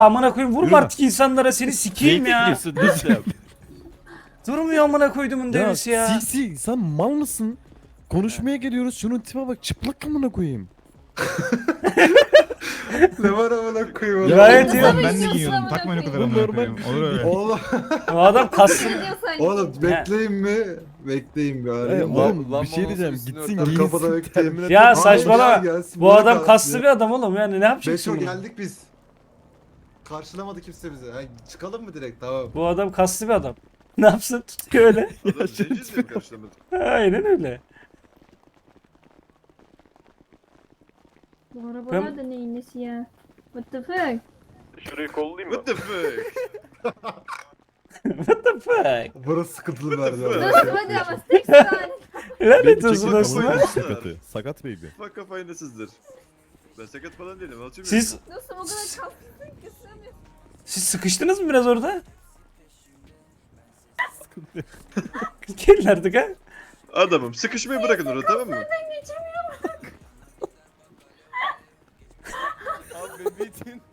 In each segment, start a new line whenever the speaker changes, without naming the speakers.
Amına koyayım vurma
Yürü lan.
artık insanlara seni sikeyim ya.
Diyorsun, nasıl yap?
Durmuyor amına koyduğumun devisi ya.
Sisi sen mal mısın? Konuşmaya geliyoruz şunun tipe bak çıplak amına koyayım.
Ne var amına koyayım?
Gayet iyi.
Nasıl
Ben de
biliyorsun
giyiyorum.
amına
Takmayın o kadar
koyayım?
amına
Normal
koyayım.
bir
Olur öyle.
Oğlum,
O adam kastım.
Biliyorsan
oğlum bekleyin mi? Bekleyin bir arayayım.
Oğlum bir şey diyeceğim gitsin
Dur, kapıda
giyinsin
bekleyin.
terminal.
Ya
Hayır,
saçmalama.
gelsin,
Bu
bırak
adam
abi.
kaslı bir adam oğlum yani ne yapacaksın
Beşo
bunu?
geldik biz. Karşılamadı kimse bizi. Ha, çıkalım mı direkt? Tamam.
Bu adam kaslı bir adam. Ne yapsın tutuyor öyle.
Adam zenciz mi karşılamadı?
Aynen öyle.
bu arabalar da neyin nesi ya? What the fuck?
Şurayı kollayayım mı?
What the fuck?
What the fuck?
Burası sıkıntılı
What the
verdi.
fuck?
ama.
Dostum hadi ama tek saniye.
Lanet olsun
Çekil
dostum.
kafayı sakatı. Sakat baby.
Fuck kafayı nasıldır? Ben sakat falan değilim. Alçım
Siz
Dostum o kadar kalsın ki sığmıyor.
siz sıkıştınız mı biraz orada? Gelin artık ha.
Adamım sıkışmayı bırakın orada tamam mı?
Abi bebeğin.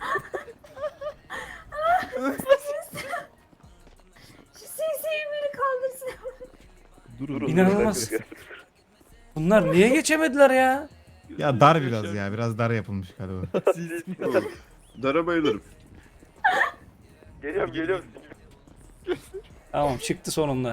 Şu seyseyi beni kaldırsın.
Durun.
İnanılmaz. Bunlar niye geçemediler ya?
Ya dar biraz ya. Biraz dar yapılmış galiba.
Dara bayılırım.
Geliyorum.
Tamam çıktı sonunda.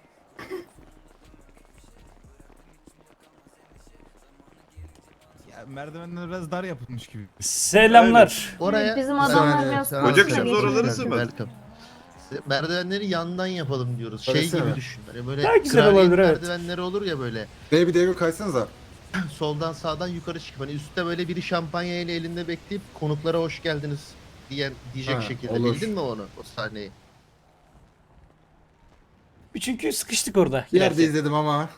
Ya merdivenler biraz dar yapılmış gibi.
Selamlar.
Oraya
Bizim adamlar
saniye,
biraz
sen
fazla
Kocak şimdi
geçiyor.
oraları sığmadı.
Welcome. Merdivenleri yandan yapalım diyoruz. Şey
Öylesene.
gibi düşün. Hani böyle
Daha güzel
kraliyet
olabilir, evet.
merdivenleri olur ya böyle.
Bey bir devir kaysanıza.
Soldan sağdan yukarı çıkıp hani üstte böyle biri şampanya ile elinde bekleyip konuklara hoş geldiniz diyecek
Ha,
şekilde.
olur.
Bildin mi onu? O sahneyi.
Çünkü sıkıştık orada.
Bir yerde
girerken.
izledim ama.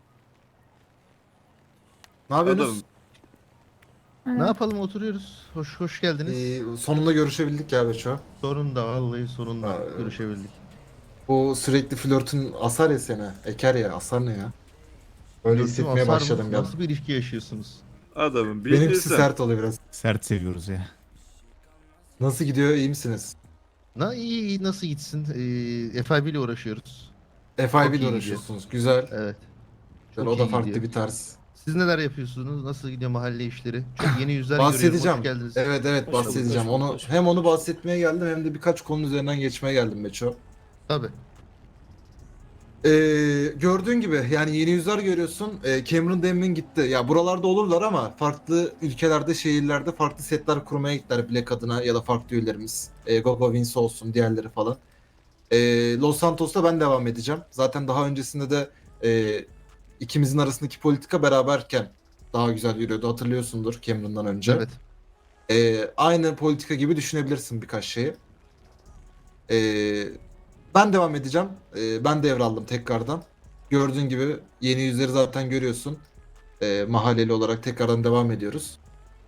Ne yapıyorsunuz?
Adamım.
Ne yapalım oturuyoruz. Hoş geldiniz.
Sonunda görüşebildik ya Beço.
Sonunda vallahi sonunda
Ha,
görüşebildik.
Bu sürekli flörtün asar ya seni. Eker ya. Asar ne ya? Öyle
Gördüm,
hissetmeye
asar mı?
başladım ben.
Nasıl bir ilişki yaşıyorsunuz?
Adamım
Benimkisi
bildiğin
sert oluyor biraz.
Sert seviyoruz ya.
Nasıl gidiyor? İyi misiniz?
İyi nasıl gitsin? FIB ile uğraşıyoruz.
FIB
Çok
ile
iyi
uğraşıyorsunuz. Güzel.
Evet.
Güzel.
Çok
O da
iyi
farklı
gidiyor.
bir tarz.
Siz neler yapıyorsunuz? Nasıl gidiyor mahalle işleri? Çok yeni yüzler görüyorum.
Bahsedeceğim.
Hoş geldiniz.
Evet
Hoş bulduk,
bahsedeceğim.
hoş bulduk,
Onu
hoş bulduk.
hem onu bahsetmeye geldim hem de birkaç konu üzerinden geçmeye geldim Beço.
Tabii.
Gördüğün gibi yani yeni yüzler görüyorsun. Cameron Demmin gitti. Ya buralarda olurlar ama farklı ülkelerde, şehirlerde farklı setler kurmaya gittiler Black adına ya da farklı üyelerimiz. Gogo Vince olsun, diğerleri falan. Los Santos'ta ben devam edeceğim. Zaten daha öncesinde de ikimizin arasındaki politika beraberken daha güzel yürüyordu. Hatırlıyorsundur Cameron'dan önce.
Evet.
Aynı politika gibi düşünebilirsin birkaç şeyi. Ben devam edeceğim. Ben devraldım tekrardan. Gördüğün gibi yeni yüzleri zaten görüyorsun. Mahalleli olarak tekrardan devam ediyoruz.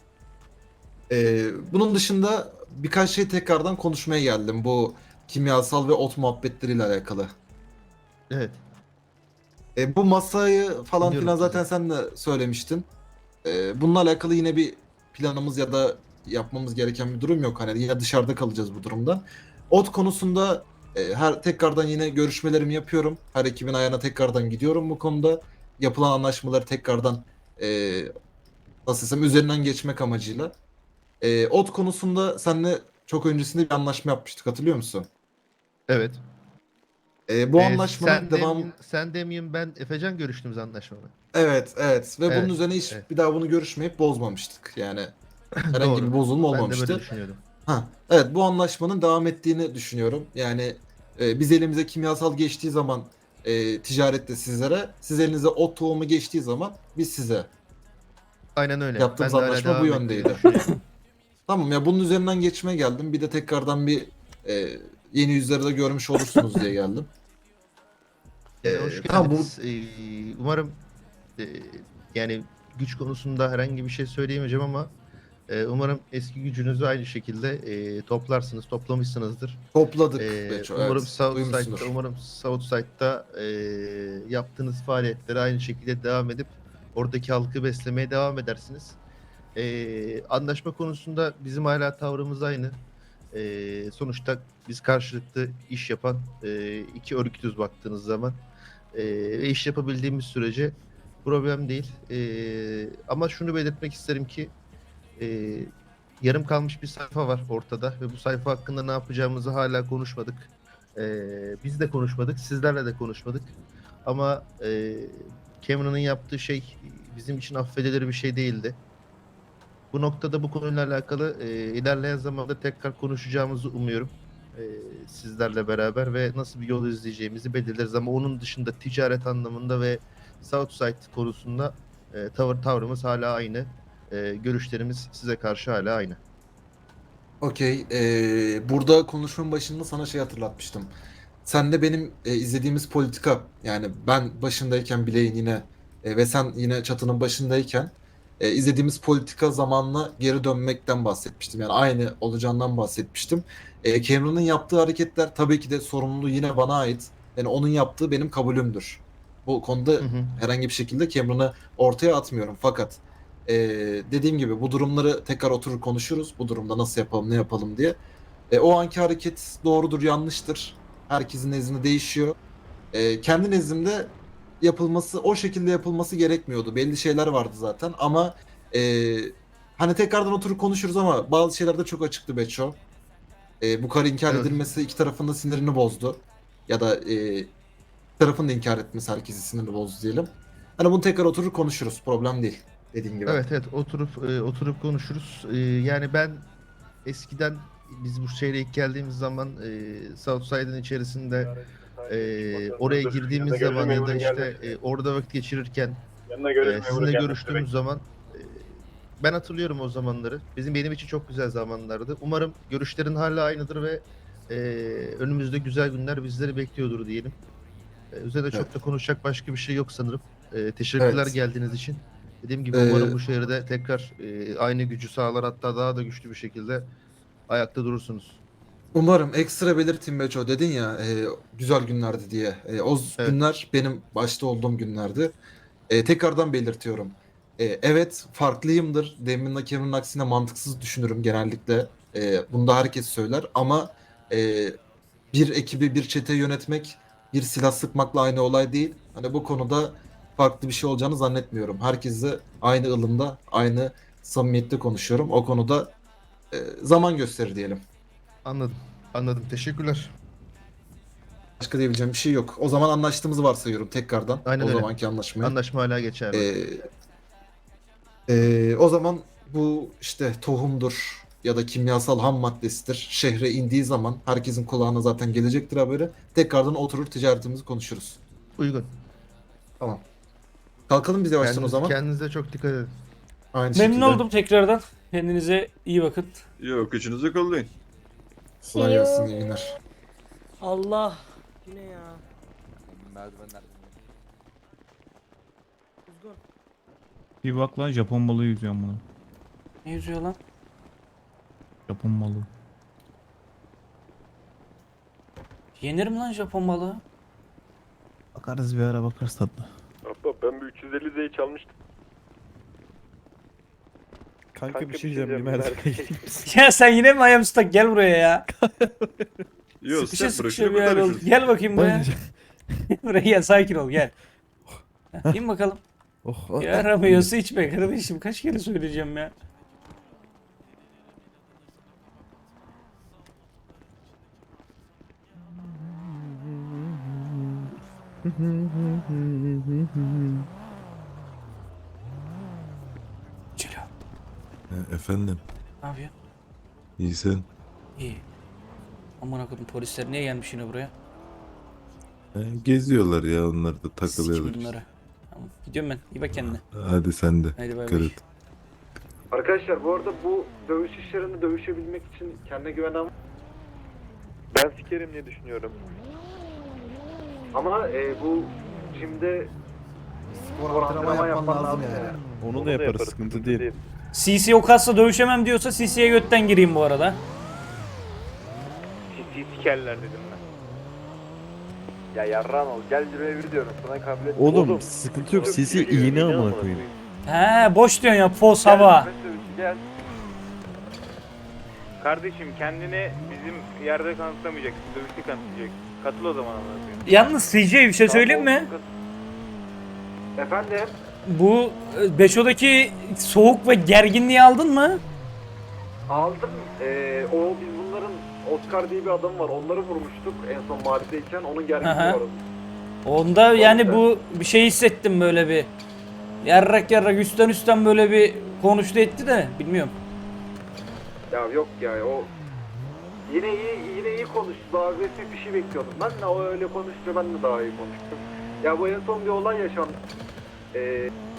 Bunun dışında birkaç şey tekrardan konuşmaya geldim. Bu kimyasal ve ot muhabbetleriyle alakalı.
Evet.
Bu masayı falan
Biliyorum
filan zaten sen de söylemiştin. Bununla alakalı yine bir planımız ya da yapmamız gereken bir durum yok. Hani ya dışarıda kalacağız bu durumda. Ot konusunda tekrardan yine görüşmelerimi yapıyorum. Her ekibin ayağına tekrardan gidiyorum bu konuda. Yapılan anlaşmaları tekrardan nasıl desem üzerinden geçmek amacıyla. Ot konusunda seninle çok öncesinde bir anlaşma yapmıştık hatırlıyor musun?
Evet.
Bu anlaşmanın
sen
devam...
sen Demeyim ben Efecan görüştüğümüz anlaşmada.
Evet ve
Evet,
bunun üzerine hiç
evet.
bir daha bunu görüşmeyip bozmamıştık. Yani herhangi
Doğru.
bir bozulma
Ben de
olmamıştı.
böyle düşünüyordum.
Evet bu anlaşmanın devam ettiğini düşünüyorum. Yani biz elimize kimyasal geçtiği zaman ticarette sizlere, siz elinize ot tohumu geçtiği zaman biz size.
Aynen öyle.
Yaptığımız
Ben de hala
anlaşma
devam
bu
ettiğini
yöndeydi.
düşünüyorum.
Tamam ya bunun üzerinden geçmeye geldim. Bir de tekrardan bir yeni yüzleri de görmüş olursunuz diye geldim.
Hoş
tamam,
geldiniz. Umarım yani güç konusunda herhangi bir şey söyleyemeyeceğim ama umarım eski gücünüzü aynı şekilde toplarsınız, toplamışsınızdır.
Topladık. Beço,
Umarım
evet. Duymuşsundur.
Southside'da yaptığınız faaliyetleri aynı şekilde devam edip oradaki halkı beslemeye devam edersiniz. Anlaşma konusunda bizim hala tavrımız aynı. Sonuçta biz karşılıklı iş yapan iki örgütüz baktığınız zaman. Ve iş yapabildiğimiz sürece problem değil. Ama şunu belirtmek isterim ki yarım kalmış bir sayfa var ortada ve bu sayfa hakkında ne yapacağımızı hala konuşmadık. Biz de konuşmadık, sizlerle de konuşmadık. Ama Cameron'ın yaptığı şey bizim için affedilir bir şey değildi. Bu noktada bu konuyla alakalı ilerleyen zamanda tekrar konuşacağımızı umuyorum. Sizlerle beraber ve nasıl bir yol izleyeceğimizi belirleriz. Ama onun dışında ticaret anlamında ve Southside konusunda tavrımız hala aynı. Görüşlerimiz size karşı hala aynı.
Okey. Burada konuşmanın başında sana şey hatırlatmıştım. Sen de benim izlediğimiz politika, yani ben başındayken bileğin yine ve sen yine çatının başındayken izlediğimiz politika zamanla geri dönmekten bahsetmiştim. Yani aynı olacağından bahsetmiştim. Cameron'ın yaptığı hareketler tabii ki de sorumluluğu yine bana ait. Yani onun yaptığı benim kabulümdür. Bu konuda
Hı hı.
herhangi bir şekilde Cameron'ı ortaya atmıyorum. Fakat dediğim gibi bu durumları tekrar oturur konuşuruz. Bu durumda nasıl yapalım, ne yapalım diye. O anki hareket doğrudur, yanlıştır. Herkesin nezdinde değişiyor. Kendi nezdimde yapılması, o şekilde yapılması gerekmiyordu. Belli şeyler vardı zaten ama hani tekrardan oturup konuşuruz ama bazı şeyler de çok açıktı Beço. Bu kadar inkar
Evet.
edilmesi iki tarafın da sinirini bozdu. Ya da iki tarafın da inkar etmesi herkesin sinirini bozdu diyelim. Hani bunu tekrar oturur konuşuruz. Problem değil. Dediğim gibi.
Evet oturup konuşuruz. Yani ben eskiden biz bu şehre ilk geldiğimiz zaman Southside'ın içerisinde oraya girdiğimiz zaman ya da işte orada vakit geçirirken sizinle görüştüğümüz zaman ben hatırlıyorum o zamanları. Benim için çok güzel zamanlardı. Umarım görüşlerin hala aynıdır ve önümüzde güzel günler bizleri bekliyordur diyelim. Üzerinde çok da konuşacak başka bir şey yok sanırım. Teşekkürler
Evet.
geldiğiniz için. Dediğim gibi
Ee,
umarım bu şehirde tekrar aynı gücü sağlar, hatta daha da güçlü bir şekilde ayakta durursunuz.
Umarım ekstra belirteyim Beço, dedin ya güzel günlerdi diye. O
Evet.
günler benim başta olduğum günlerdi. Tekrardan belirtiyorum. Evet, farklıyımdır. Demin Cameron'ın aksine mantıksız düşünürüm genellikle. Bunu da herkes söyler ama bir ekibi, bir çete yönetmek bir silah sıkmakla aynı olay değil. Hani bu konuda farklı bir şey olacağını zannetmiyorum. Herkesle aynı ılımda, aynı samimiyette konuşuyorum. O konuda zaman gösterir diyelim.
Anladım. Teşekkürler.
Başka diyebileceğim bir şey yok. O zaman anlaştığımızı varsayıyorum tekrardan.
Aynen
o
öyle.
zamanki anlaşmayı.
Anlaşma hala geçerli.
O zaman bu işte tohumdur ya da kimyasal ham maddesidir. Şehre indiği zaman herkesin kulağına zaten gelecektir haberi. Tekrardan oturur ticaretimizi konuşuruz.
Uygun.
Tamam. Kalkalım biz yavaştan o zaman.
Kendinize çok dikkat edin.
Aynı
Memnun
şekilde.
oldum tekrardan. Kendinize iyi bakın.
Yok üçünüzü kollayın.
Kolay gelsin, iyi günler.
Allah. Yine ya.
Merdivenler.
Kuzgun.
Bir bak lan, Japon balığı yüzüyorum bunu.
Ne yüzüyor lan?
Japon balığı.
Yenir mi lan Japon balığı?
Bakarız bir ara, bakarız tatlı.
Abla ben bir 350 Z'yi çalmıştım.
Kanka bir şey diyeceğim. Bir merdivene geleyim misin?
Ya sen yine mi ayağım ıslak? Gel buraya ya.
Yok
Sıkışa
sen
sıkışa
bırakın
bir yer oldu.
konuşuruz.
Gel bakayım buraya.
Bana-
Buraya gel, sakin ol, gel. Heh, İn bakalım.
Oh,
Yaramıyorsa içme kardeşim. Kaç kere söyleyeceğim ya. Celo.
Efendim,
Ne yapıyorsun?
iyi sen.
İyi. Aman akıllım, polisler niye gelmiş yine buraya?
Geziyorlar ya, onlar da
Sikim
takılıyorlar.
bunları. Tamam. Gidiyorum ben. İyi bak kendine.
Hadi sen de.
Haydi bay
Dikkat
bay.
et.
Arkadaşlar bu arada bu dövüş işlerini dövüşebilmek için kendine güvenen
Ben sikerim diye düşünüyorum.
ama bu jimde
Spor antrenman yapman lazım yani. Onu da yaparız, sıkıntı değil.
CC o kasla dövüşemem diyorsa CC'ye götten gireyim bu arada.
Ciddi sikerler dedim ben. Ya yarram ol. Gel buraya bir diyorum. Sana kabiliyet.
Oğlum sıkıntı yok. CC iğne amına koyayım.
He boş diyorsun ya, fos hava.
Gel. Kardeşim kendini bizim yerde kanıtlamayacaksın. Dövüşte kanıtlayacaksın. Katıl o zaman anlatayım.
Yalnız CJ bir şey söyleyeyim mi?
Efendim?
Bu Beşo'daki soğuk ve gerginliği aldın mı?
Aldım. O biz bunların Oscar diye bir adam var. Onları vurmuştuk en son mahalleyken. Onun
Aha.
gerginliği var.
Onda yani bu bir şey hissettim böyle bir. Yarrak üstten böyle bir konuştu etti de bilmiyorum.
Ya yok ya o yine iyi konuştu. Daha agresif bir şey bekliyordum. Ben de o öyle konuşunca ben de daha iyi konuştum. Ya bu en son bir olay yaşandı.